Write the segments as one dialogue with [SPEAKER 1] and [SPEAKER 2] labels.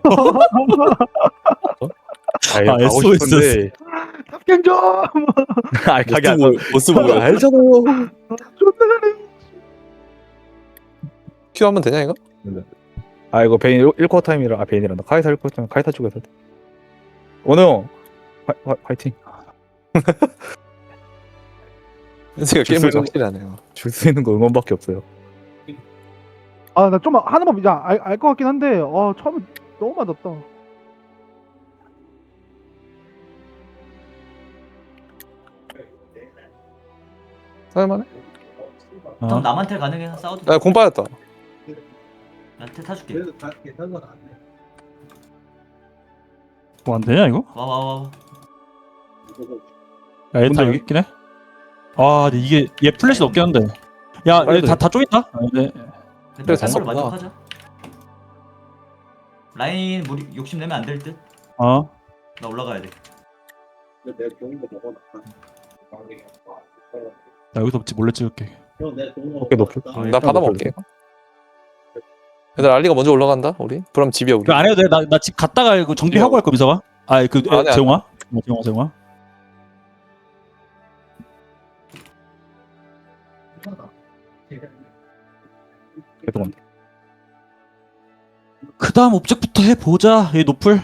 [SPEAKER 1] 아, 이거
[SPEAKER 2] 아,
[SPEAKER 1] 가고
[SPEAKER 2] SOS.
[SPEAKER 1] 싶은데.
[SPEAKER 3] 탑갱 좀.
[SPEAKER 1] 아, 가게 안 가.
[SPEAKER 4] 보스 보고
[SPEAKER 1] 알잖아요.
[SPEAKER 3] 존나 잘해.
[SPEAKER 4] 큐 하면 되냐 이거?
[SPEAKER 1] 아, 이거 베인 1쿼터 타임이라. 아, 베인이란다. 카이사 1쿼터 타임. 카이사 쪽에서. 원우 형. 화이팅.
[SPEAKER 4] 현수가 게임을
[SPEAKER 1] 줄수록-
[SPEAKER 4] 확실히 하네요.
[SPEAKER 1] 줄 수 있는 거 응원밖에 없어요.
[SPEAKER 3] 아, 나 좀 하나만 알 것 같긴 한데, 처음에 너무 맞았다.
[SPEAKER 4] 살만해?
[SPEAKER 2] 어?
[SPEAKER 5] 남한테 가능해 싸워도
[SPEAKER 4] 야, 공 빠졌다.
[SPEAKER 5] 나한테 타줄게.
[SPEAKER 2] 뭐 안 되냐 이거?
[SPEAKER 5] 와와와.
[SPEAKER 2] 야, 얘 다
[SPEAKER 1] 근데
[SPEAKER 2] 여기 있긴 해. 아, 근데 이게 얘 플래시 없긴 한데. 야, 얘 다 쪼인다. 아, 네.
[SPEAKER 5] 근데
[SPEAKER 4] 잘
[SPEAKER 5] 로
[SPEAKER 4] 썼구나.
[SPEAKER 5] 만족하자. 라인 무리 욕심 내면 안 될 듯.
[SPEAKER 2] 어.
[SPEAKER 5] 나 올라가야 돼.
[SPEAKER 2] 나 여기서 몰래 찍을게.
[SPEAKER 1] 어깨 높을.
[SPEAKER 4] 나 받아먹을게. 얘들 알리가 먼저 올라간다. 우리. 그럼 집이야 우리.
[SPEAKER 2] 그 안 해도 돼. 나 집 갔다가 이거 정비하고 할 거 미서가. 아, 그
[SPEAKER 4] 안 해, 안
[SPEAKER 2] 재용아. 재용아.
[SPEAKER 1] 계속 온다.
[SPEAKER 2] 그다음 옵젝부터 해 보자. 얘 노플.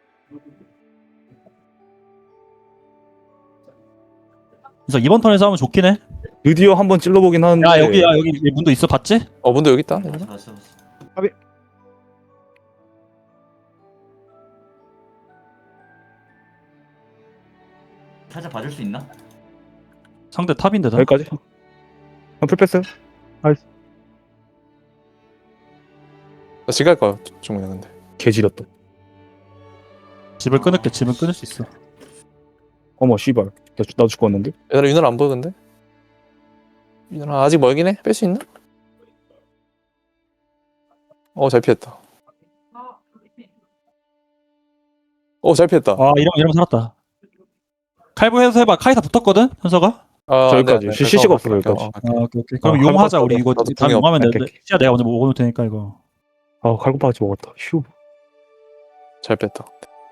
[SPEAKER 2] 그래서 이번 턴에 싸우면 좋긴 해.
[SPEAKER 1] 드디어 한번 찔러보긴 하는데.
[SPEAKER 2] 야, 여기 얘 문도 있어. 봤지?
[SPEAKER 4] 문도 여기 있다.
[SPEAKER 5] 봤어. 살짝 봐줄 수 있나?
[SPEAKER 2] 상대 탑인데 다.
[SPEAKER 1] 여기까지. 형 풀패스.
[SPEAKER 4] 나 지금 갈 거야. 중국에 근데.
[SPEAKER 1] 개지렸다.
[SPEAKER 2] 집을 끊을게. 집을 끊을 수 있어.
[SPEAKER 1] 어머 씨발. 나도 죽었는데.
[SPEAKER 4] 얘들아 윤호를 안 보여 근데? 윤호아 아직 멀긴 해? 뺄 수 있나? 잘 피했다. 잘 피했다.
[SPEAKER 2] 아, 이러면 살았다. 칼부 해서 해봐. 카이사 붙었거든. 현서가.
[SPEAKER 1] 저기까지. CC가 없어, 여기까지.
[SPEAKER 2] 아, 오케이. 그럼
[SPEAKER 1] 아,
[SPEAKER 2] 용하자.
[SPEAKER 1] 칼부
[SPEAKER 2] 우리 이거
[SPEAKER 4] 나도
[SPEAKER 2] 다음
[SPEAKER 4] 궁이
[SPEAKER 2] 용하면
[SPEAKER 1] 없-
[SPEAKER 2] 돼. 시야 내가 먼저 먹어놓을 테니까 이거.
[SPEAKER 1] 아, 칼국파같이 먹었다. 휴.
[SPEAKER 4] 잘 뺐다.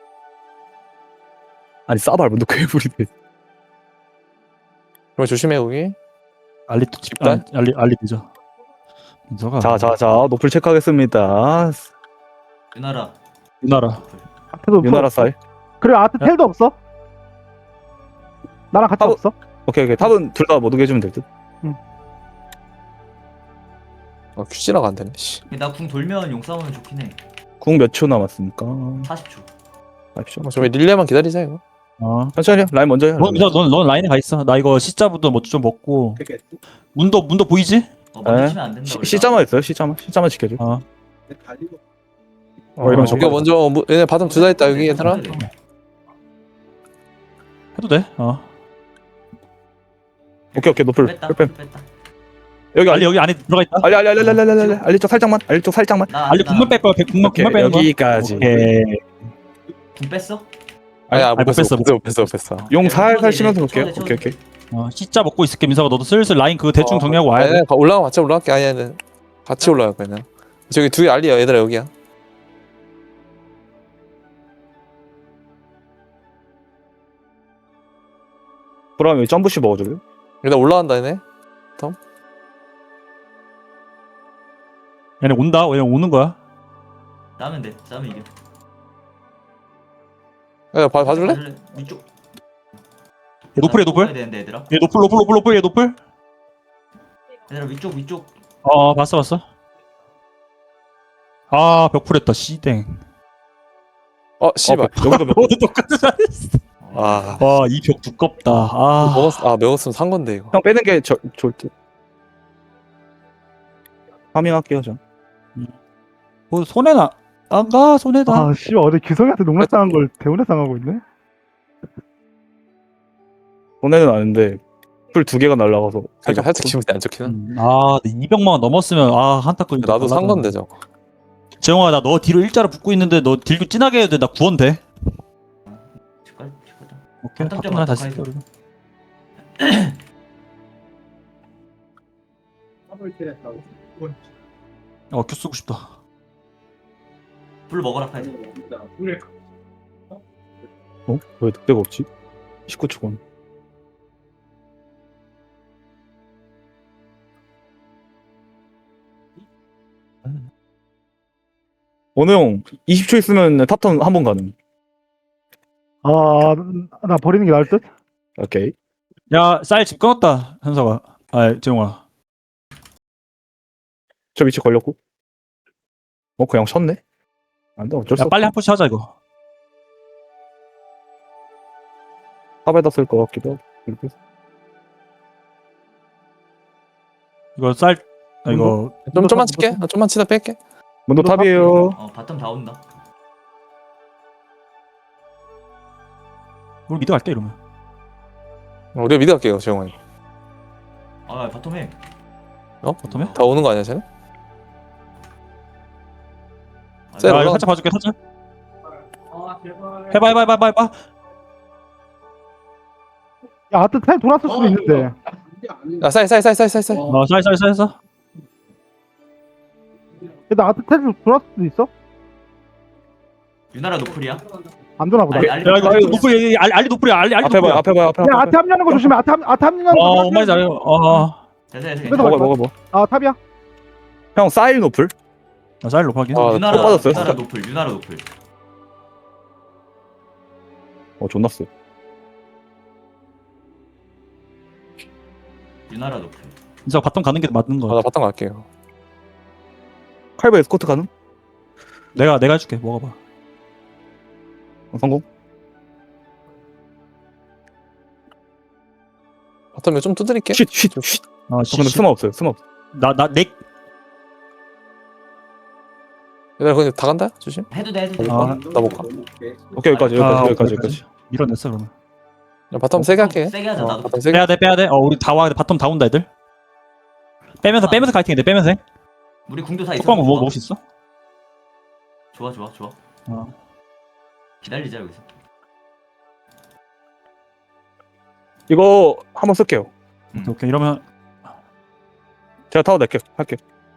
[SPEAKER 1] 아니 싸발 문도 괴물이네.
[SPEAKER 4] 그럼 조심해 거기.
[SPEAKER 2] 알리 또
[SPEAKER 4] 집단?
[SPEAKER 2] 알리 늦어. 민서가.
[SPEAKER 1] 자, 노플 체크하겠습니다.
[SPEAKER 5] 유나라.
[SPEAKER 2] 유나라.
[SPEAKER 3] 앞에도
[SPEAKER 1] 유나라
[SPEAKER 3] 없어.
[SPEAKER 1] 사이.
[SPEAKER 3] 그래, 앞에 텔도 없어. 나랑 같이
[SPEAKER 1] 탑-
[SPEAKER 3] 없어.
[SPEAKER 1] 오케이. 탑은 둘 다 못 오게 해주면 될 듯.
[SPEAKER 4] 큐지라가 안 되네. 씨.
[SPEAKER 5] 나궁 돌면 용 싸우면 좋긴 해.
[SPEAKER 1] 궁 몇 초 남았습니까?
[SPEAKER 5] 40초.
[SPEAKER 1] 아십시오.
[SPEAKER 4] 좀 릴레만 기다리자 이거.
[SPEAKER 1] 천천히 라인 먼저 해.
[SPEAKER 2] 넌 라인에 가 있어. 나 이거 C자부터 뭐 좀 먹고. 문도 보이지?
[SPEAKER 5] 먼저 치면 안 된다.
[SPEAKER 1] C자만 있어요. C자만 지켜줘.
[SPEAKER 2] 어.
[SPEAKER 1] 이러면
[SPEAKER 4] 이거 먼저 얘네 바텀 둘 다 있다 여기 얘들아.
[SPEAKER 2] 해도 돼.
[SPEAKER 1] 오케이 노플.
[SPEAKER 5] 뺐다.
[SPEAKER 1] 풀
[SPEAKER 5] 뺐다.
[SPEAKER 1] 여기
[SPEAKER 2] 알리 여기 안에 들어가 있다.
[SPEAKER 1] 알리 쪽 살짝만. 알리 쪽 살짝만.
[SPEAKER 2] 알리 국물 뺄 거야. 국물
[SPEAKER 1] 오케이,
[SPEAKER 2] 빼는 거야.
[SPEAKER 1] 여기까지.
[SPEAKER 2] 오케이.
[SPEAKER 5] 궁 뺐어?
[SPEAKER 4] 아니야
[SPEAKER 2] 못 뺐어.
[SPEAKER 4] 못 뺐어.
[SPEAKER 1] 용
[SPEAKER 5] 네,
[SPEAKER 1] 살살
[SPEAKER 5] 쳐도
[SPEAKER 1] 치면서
[SPEAKER 5] 돼,
[SPEAKER 1] 볼게요.
[SPEAKER 5] 쳐도 돼.
[SPEAKER 1] 오케이.
[SPEAKER 2] C자 먹고 있을게. 민서가 너도 슬슬 라인 그거 대충 정리하고 와야 돼.
[SPEAKER 4] 올라가 올라갈게. 아니야 같이 올라갈 거야 그냥. 저기 두 개 알리야 얘들아 여기야.
[SPEAKER 1] 그러면 점프시 먹어줄래?
[SPEAKER 4] 일단 올라간다 얘네.
[SPEAKER 2] 얘네 온다. 얘네 오는 거야.
[SPEAKER 5] 싸우면 돼. 싸우면 이겨.
[SPEAKER 4] 야 봐줄래?
[SPEAKER 5] 위쪽.
[SPEAKER 2] 얘 노플이야
[SPEAKER 5] 뽑아야
[SPEAKER 2] 노플.
[SPEAKER 5] 되는데 얘들아.
[SPEAKER 2] 얘 노플. 얘 노플.
[SPEAKER 5] 얘들아 위쪽.
[SPEAKER 2] 봤어. 아, 벽풀했다. 씨댕.
[SPEAKER 4] 씨발.
[SPEAKER 1] 여기도
[SPEAKER 2] 모두 똑같이 잘했어.
[SPEAKER 4] 아
[SPEAKER 2] 와, 이 벽 두껍다.
[SPEAKER 4] 먹었으면 산 건데 이거.
[SPEAKER 1] 형 빼는 게 좋을 듯. 파밍할게요 전.
[SPEAKER 2] 손해나. 안 가, 손해다.
[SPEAKER 3] 아, 씨, 어제 기성이한테 농락 당한 걸 대운에 당하고 있네.
[SPEAKER 1] 손해는 아는데 풀 두 개가 날라가서
[SPEAKER 4] 살짝 기분이 안 좋긴 한.
[SPEAKER 2] 200만 원 넘었으면 한타 끌.
[SPEAKER 4] 나도 산 건데 저거.
[SPEAKER 2] 재영아, 나 너 뒤로 일자로 붙고 있는데 너 딜도 진하게 해야 돼. 나 구원 돼.
[SPEAKER 5] 집갈.
[SPEAKER 2] 오케이.
[SPEAKER 5] 바텀
[SPEAKER 2] 바텀 하나 다시
[SPEAKER 5] 바텀
[SPEAKER 2] 쓸게. 큐 쓰고 싶다.
[SPEAKER 5] 불 먹어라 카이사.
[SPEAKER 1] 어? 왜 늑대가 없지? 19초건. 원우 형 20초 있으면 탑턴 한 번 가능.
[SPEAKER 3] 아, 나 버리는 게 나을 듯?
[SPEAKER 1] 오케이.
[SPEAKER 2] 야, 쌀 집 끊었다, 현서가. 아, 재용아.
[SPEAKER 1] 저 위치 걸렸고. 그냥 쳤네. 안돼 어쩔 수
[SPEAKER 2] 야,
[SPEAKER 1] 없어.
[SPEAKER 2] 빨리 한 푸시 하자, 이거.
[SPEAKER 1] 탑에다 쓸 것 같기도 하고. 이렇게 해서.
[SPEAKER 2] 이거 쌀, 아, 이거.
[SPEAKER 4] 좀만 칠게. 좀만 치다 뺄게.
[SPEAKER 1] 문도 탑이에요.
[SPEAKER 5] 바텀 다 온다.
[SPEAKER 2] 우리 미드 갈게, 이러면.
[SPEAKER 4] 우리가 미드 갈게요, 재용아.
[SPEAKER 5] 아 바텀 해.
[SPEAKER 2] 바텀에?
[SPEAKER 4] 다 오는 거 아니야, 쟤는?
[SPEAKER 5] 아,
[SPEAKER 4] 쎄,
[SPEAKER 2] 야, 이거
[SPEAKER 4] 올라가.
[SPEAKER 2] 살짝 봐줄게, 살짝. 해봐.
[SPEAKER 3] 야, 아트 타임 돌았을 수도 있는데.
[SPEAKER 4] 야, 쌀.
[SPEAKER 2] 쌀.
[SPEAKER 3] 나 아트 타임 돌았을 수도 있어?
[SPEAKER 5] 유나라 노플이야?
[SPEAKER 3] 안 되나 보다.
[SPEAKER 5] 알리
[SPEAKER 2] 야, 이거 노플이, 알리 노플이야, 알리
[SPEAKER 1] 앞에 봐요.
[SPEAKER 2] 노플이야.
[SPEAKER 1] 앞에 봐요. 앞에.
[SPEAKER 3] 야, 아트 합류하는 거 조심해. 아트 합류하는 거.
[SPEAKER 2] 엄마이 잘해.
[SPEAKER 5] 됐어.
[SPEAKER 3] 그래도
[SPEAKER 1] 먹어.
[SPEAKER 3] 아, 탑이야?
[SPEAKER 1] 형 사일 노플.
[SPEAKER 2] 쌀 높하긴.
[SPEAKER 4] 아,
[SPEAKER 5] 유나라
[SPEAKER 1] 빠졌어요?
[SPEAKER 5] 유나라 노플.
[SPEAKER 1] 존나 쎄.
[SPEAKER 5] 유나라 노플.
[SPEAKER 2] 진짜 바텀 가는 게 맞는 거
[SPEAKER 4] 나
[SPEAKER 2] 같아.
[SPEAKER 4] 바탕 갈게요.
[SPEAKER 1] 칼바 에스코트 가능?
[SPEAKER 2] 내가 해줄게, 먹어봐.
[SPEAKER 1] 성공.
[SPEAKER 4] 바텀 좀 두드릴게.
[SPEAKER 1] 쉿.
[SPEAKER 2] 아,
[SPEAKER 1] 근데 스마 없어요. 스마 없어.
[SPEAKER 2] 넥.
[SPEAKER 4] 얘들아, 그냥 다 간다? 조심.
[SPEAKER 5] 해도 돼.
[SPEAKER 2] 아.
[SPEAKER 4] 나 못 가.
[SPEAKER 1] 오케이 여기까지.
[SPEAKER 2] 밀어냈어, 그러면.
[SPEAKER 4] 야, 바텀 세게 할게.
[SPEAKER 5] 세게 하자. 나도.
[SPEAKER 4] 바텀 세게.
[SPEAKER 2] 빼야 돼. 우리 다 와, 바텀 다 온다, 애들. 빼면서 카이팅해, 빼면서 해.
[SPEAKER 5] 우리 궁도 다 있어.
[SPEAKER 2] 톡방 먹을 수 있어?
[SPEAKER 5] 좋아.
[SPEAKER 2] 어.
[SPEAKER 5] 기다리자 여기서.
[SPEAKER 1] 이거 한번 쓸게요.
[SPEAKER 2] 오케이, 이러면.
[SPEAKER 1] 제가 타워 낼게요. 할게.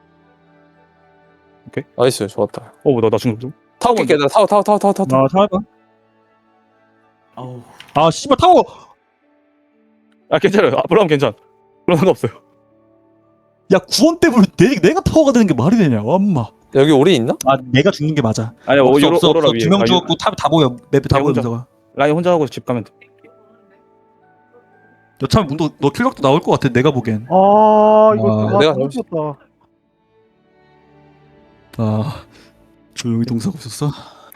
[SPEAKER 4] 나이스, 좋았다.
[SPEAKER 1] 나 중국 좀.
[SPEAKER 4] 타워 깰게. 나 타워.
[SPEAKER 2] 나 타워해봐.
[SPEAKER 5] 아우.
[SPEAKER 2] 아, 씨발, 타워!
[SPEAKER 1] 괜찮아요. 앞으로 하면 괜찮아. 그런 거 없어요.
[SPEAKER 2] 야, 구원 때문에 내가 타워가 되는 게 말이 되냐, 엄마.
[SPEAKER 4] 여기 오리 있나?
[SPEAKER 2] 아, 내가 죽는 게 맞아.
[SPEAKER 1] 아니야,
[SPEAKER 2] 없어.
[SPEAKER 1] 오로라 위에.
[SPEAKER 2] 2명 죽었고, 탑 다 보여. 맵에 다
[SPEAKER 1] 라인
[SPEAKER 2] 보여,
[SPEAKER 1] 혼자.
[SPEAKER 2] 문서가.
[SPEAKER 1] 라인 혼자 하고 집 가면 돼.
[SPEAKER 2] 여차하면 문도, 너 킬각도 나올 것 같아, 내가 보기엔.
[SPEAKER 3] 아, 이거
[SPEAKER 4] 내가
[SPEAKER 3] 잘못했다.
[SPEAKER 2] 아, 조용히 동사고 있었어?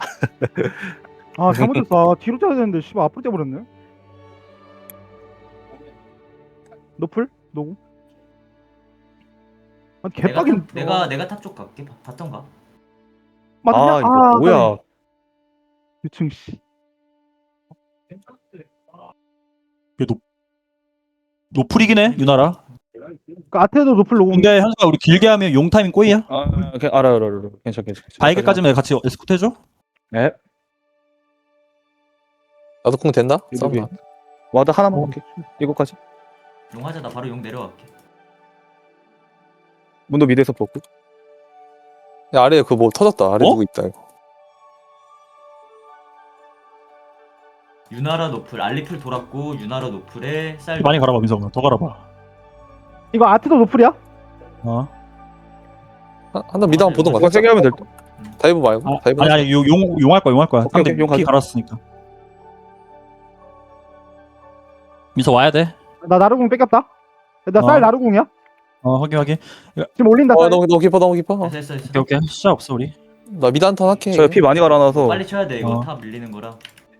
[SPEAKER 3] 아, 잘못했어. 아, 뒤로 짜야 되는데 씨발 앞으로 째버렸네. 노플? 노구? 아, 개빡인.
[SPEAKER 5] 내가 탑 쪽 갈게. 바텀 가.
[SPEAKER 3] 맞냐?
[SPEAKER 1] 이거 뭐야?
[SPEAKER 3] 유충 씨.
[SPEAKER 2] 노플이긴 해, 유나라.
[SPEAKER 3] 그 아테도 노플 노구.
[SPEAKER 2] 근데 현수가 우리 길게 하면 용 타이밍 꼬이야?
[SPEAKER 1] 알아. 괜찮아.
[SPEAKER 2] 바이게까지만 같이 에스코트 해줘?
[SPEAKER 1] 네.
[SPEAKER 4] 나도 궁 된다?
[SPEAKER 1] 여기.
[SPEAKER 4] 싸움
[SPEAKER 1] 와드 하나만 할게. 이거까지.
[SPEAKER 5] 용 하자. 나 바로 용 내려갈게.
[SPEAKER 1] 문도 미드에서 뽑고.
[SPEAKER 4] 야, 아래에 그 뭐 터졌다. 아래
[SPEAKER 2] 어?
[SPEAKER 4] 누구 있다, 이거.
[SPEAKER 5] 유나라 노플. 알리풀 돌았고 유나라 노플에 쌀.
[SPEAKER 2] 많이 갈아봐, 민성아. 더 갈아봐.
[SPEAKER 3] 이거 아테도 노플이야?
[SPEAKER 2] 어?
[SPEAKER 4] 한번 미드 한번 보던가.
[SPEAKER 1] 이거 세게 하면 될 듯.
[SPEAKER 4] 다이브 말고. 다이브.
[SPEAKER 2] 아니, 용 할 거야. 상대
[SPEAKER 1] 용
[SPEAKER 2] 피
[SPEAKER 1] 가자.
[SPEAKER 2] 갈았으니까. 민서 와야 돼.
[SPEAKER 3] 나 나루궁 뺏겼다. 나 쌀
[SPEAKER 2] 어.
[SPEAKER 3] 나루궁이야?
[SPEAKER 2] 확인.
[SPEAKER 3] 지금 올린다. 쌀.
[SPEAKER 4] 너무 깊어.
[SPEAKER 5] 됐어.
[SPEAKER 2] 오케이. 시작 없어, 우리.
[SPEAKER 4] 나 미드 한턴 할게.
[SPEAKER 1] 저피 많이 갈아놔서.
[SPEAKER 5] 빨리 쳐야 돼. 이거
[SPEAKER 2] 어.
[SPEAKER 5] 탑 밀리는 거라.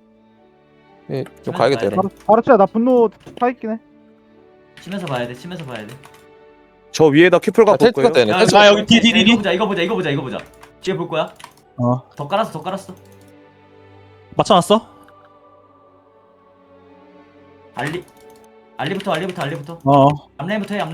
[SPEAKER 4] 좀 가야겠다, 얘랑.
[SPEAKER 3] 바로 쳐야 나 분노 타 있긴 해.
[SPEAKER 5] 치면서 봐야 돼.
[SPEAKER 1] 저 위에다 큐플 갖고 올
[SPEAKER 4] 텔트
[SPEAKER 1] 거예요.
[SPEAKER 4] 때네.
[SPEAKER 2] 아, 여기 뒤.
[SPEAKER 5] 이거 보자. 뒤에 볼 거야.
[SPEAKER 2] 어.
[SPEAKER 5] 더 깔았어.
[SPEAKER 2] 맞춰놨어?
[SPEAKER 5] 알리부터.
[SPEAKER 2] 어.
[SPEAKER 5] 앞라인부터 해.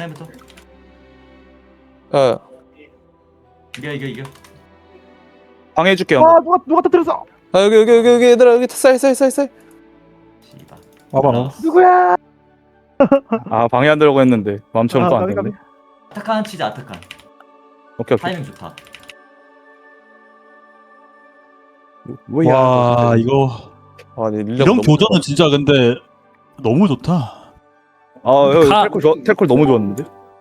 [SPEAKER 4] 야,
[SPEAKER 5] 이겨.
[SPEAKER 1] 방해해줄게. 요
[SPEAKER 3] 아, 누가 터뜨렸어?
[SPEAKER 4] 여기 얘들아, 여기 쌀.
[SPEAKER 5] 씨발.
[SPEAKER 2] 와봐.
[SPEAKER 3] 누구야?
[SPEAKER 1] 방해 안 들려고 했는데 마음처럼 또 안
[SPEAKER 3] 까비,
[SPEAKER 1] 됐네.
[SPEAKER 3] 까비.
[SPEAKER 5] 아타칸 치자. 아타칸.
[SPEAKER 1] 오케이.
[SPEAKER 5] 타이밍 좋다.
[SPEAKER 1] 뭐야?
[SPEAKER 2] 와 이거
[SPEAKER 4] 아니 릴리아가
[SPEAKER 2] 이런
[SPEAKER 4] 너무
[SPEAKER 2] 교전은 진짜 근데 너무 좋다.
[SPEAKER 1] 아, 여기
[SPEAKER 2] 가-
[SPEAKER 1] 텔콜 너무 좋았는데.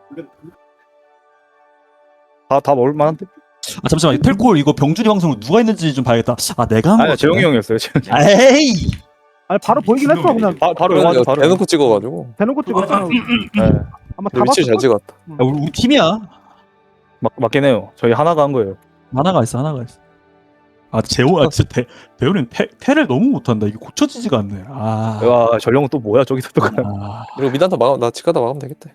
[SPEAKER 1] 다 먹을 만한데?
[SPEAKER 2] 아 잠시만 텔콜 이거 병준이 방송으로 누가 했는지 좀 봐야겠다. 아 내가 한 거.
[SPEAKER 1] 아니야, 재영이 형이었어요. 재영이.
[SPEAKER 2] 에이.
[SPEAKER 3] 아니 바로 보이긴 했어 그냥
[SPEAKER 1] 바로 영화도 바로.
[SPEAKER 4] 대놓고 찍어가지고
[SPEAKER 3] 대놓고 찍었잖아.
[SPEAKER 1] 네.
[SPEAKER 3] 아마 다
[SPEAKER 4] 위치 잘
[SPEAKER 3] 봤을
[SPEAKER 4] 찍었다.
[SPEAKER 2] 야, 우리 팀이야.
[SPEAKER 1] 맞긴 해요. 저희 하나가 한 거예요.
[SPEAKER 2] 하나가 있어. 아 재호 아 진짜 배우는 테를 너무 못한다. 이게 고쳐지지가 않네. 아.
[SPEAKER 1] 와, 전령은 또 뭐야? 저기서 또 그냥.
[SPEAKER 2] 아.
[SPEAKER 4] 이거 미단타 막아 나 치가다 막으면 되겠다.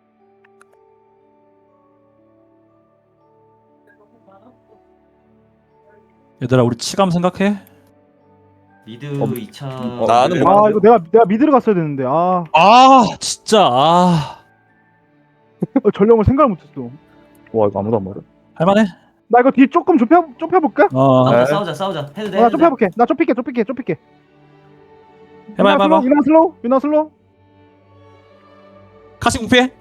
[SPEAKER 2] 얘들아 우리 치감 생각해.
[SPEAKER 5] 미드
[SPEAKER 1] 어,
[SPEAKER 5] 2차.
[SPEAKER 4] 나는
[SPEAKER 1] 네.
[SPEAKER 4] 뭐-
[SPEAKER 3] 아 이거 내가 미드를 갔어야 되는데 아
[SPEAKER 2] 아 진짜 아
[SPEAKER 3] 전령을 생각을 못했어.
[SPEAKER 1] 와, 이거 아무도 안 말해.
[SPEAKER 2] 할만해.
[SPEAKER 3] 나 이거 뒤 조금 좁혀볼까?
[SPEAKER 2] 어
[SPEAKER 1] 네.
[SPEAKER 5] 싸우자. 해도 돼.
[SPEAKER 3] 나
[SPEAKER 5] 해도 돼.
[SPEAKER 3] 좁혀볼게. 나 좁힐게.
[SPEAKER 2] 해봐.
[SPEAKER 3] 유나 슬로우.
[SPEAKER 2] 카시 공피해.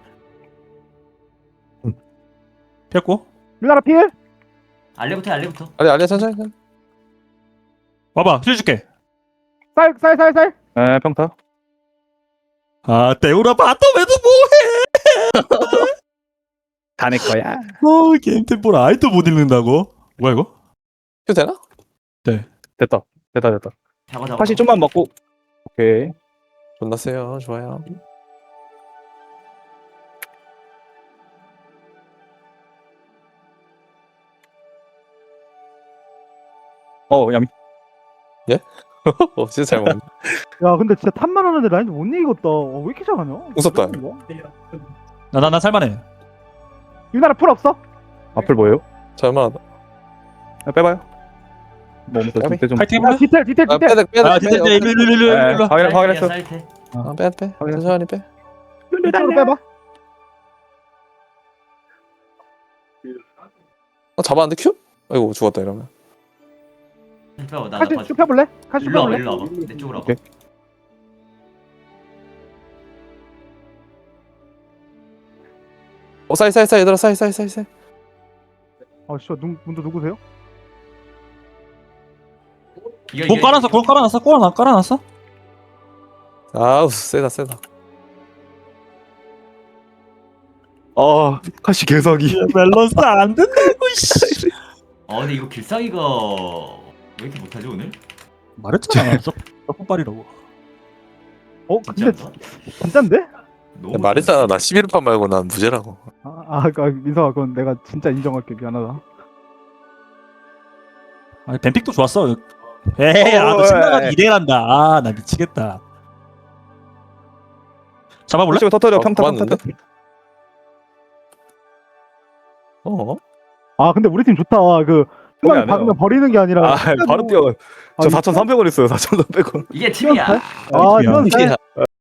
[SPEAKER 2] 피했고
[SPEAKER 3] 유나라 필.
[SPEAKER 5] 알레부터.
[SPEAKER 4] 아니 천천히.
[SPEAKER 2] 와봐 힐 줄게.
[SPEAKER 3] 쌀.
[SPEAKER 1] 에, 평타.
[SPEAKER 2] 아 대우라 바텀 왜도
[SPEAKER 1] 다 내 거야.
[SPEAKER 2] 뭐해? 게임 템포를 아이도 못 읽는다고? 뭐야 이거?
[SPEAKER 4] 해도 되나?
[SPEAKER 1] 됐다.
[SPEAKER 5] 잡아.
[SPEAKER 1] 다시 좀만 먹고. 오케이.
[SPEAKER 4] 존나 세요. 좋아요.
[SPEAKER 1] 얌.
[SPEAKER 4] 진짜 잘 먹네.
[SPEAKER 3] 야 근데 진짜 탑만 하는데 라인도 못 이기겠다. 왜 이렇게 잘하냐?
[SPEAKER 4] 무섭다.
[SPEAKER 3] 이거?
[SPEAKER 2] 나 살만해.
[SPEAKER 3] 유나라 풀 없어?
[SPEAKER 1] 앞을 뭐예요?
[SPEAKER 4] 잘만.
[SPEAKER 1] 빼봐요. 뭐,
[SPEAKER 4] 까비?
[SPEAKER 1] 그때 좀.
[SPEAKER 2] 파이팅
[SPEAKER 3] 야
[SPEAKER 2] 해볼래?
[SPEAKER 3] 디테일.
[SPEAKER 4] 아 빼야 돼.
[SPEAKER 2] 아 진짜 일로
[SPEAKER 1] 네. 확인했어.
[SPEAKER 5] 사이트.
[SPEAKER 4] 빼. 천천히 빼.
[SPEAKER 3] 이쪽으로 빼봐.
[SPEAKER 4] 잡았는데 큐? 아이고 죽었다 이러면.
[SPEAKER 5] 빼봐. 나
[SPEAKER 3] 카시
[SPEAKER 5] 봐줘.
[SPEAKER 3] 쭉 펴볼래? 카시 쭉
[SPEAKER 5] 일로 와봐.
[SPEAKER 3] 펴볼래?
[SPEAKER 5] 일로 와봐. 내 쪽으로 와봐.
[SPEAKER 1] 오케이.
[SPEAKER 4] 사이 얘들아 사이.
[SPEAKER 3] 아 씨발 문도 누구세요?
[SPEAKER 5] 이거,
[SPEAKER 2] 공 깔아놨어?
[SPEAKER 4] 아우 세다.
[SPEAKER 1] 카시 개사기.
[SPEAKER 2] 밸런스 안 된다고 씨.
[SPEAKER 5] 근데 이거 길상이가 왜 이렇게 못하지 오늘?
[SPEAKER 2] 말했잖아. 썩발이라고.
[SPEAKER 3] 근데 진짠데?
[SPEAKER 5] 너무
[SPEAKER 4] 말했잖아 나 11판 말고 난 무죄라고.
[SPEAKER 3] 민서아 그건 내가 진짜 인정할게. 미안하다.
[SPEAKER 2] 아니 뱀픽도 좋았어. 에이 아너 신나가지고 이래란다. 아 나 미치겠다. 잡아볼래?
[SPEAKER 1] 지금 터뜨려. 평타.
[SPEAKER 4] 고맙는데?
[SPEAKER 3] 근데 우리 팀 좋다. 그
[SPEAKER 1] 포기
[SPEAKER 3] 순간
[SPEAKER 1] 안 해요.
[SPEAKER 3] 박으면 버리는 게 아니라.
[SPEAKER 1] 바로 뛰어. 저
[SPEAKER 3] 아,
[SPEAKER 1] 4,300원 있어요. 4,300원.
[SPEAKER 5] 이게 팀이야.
[SPEAKER 3] 아 이건
[SPEAKER 2] 팀이야.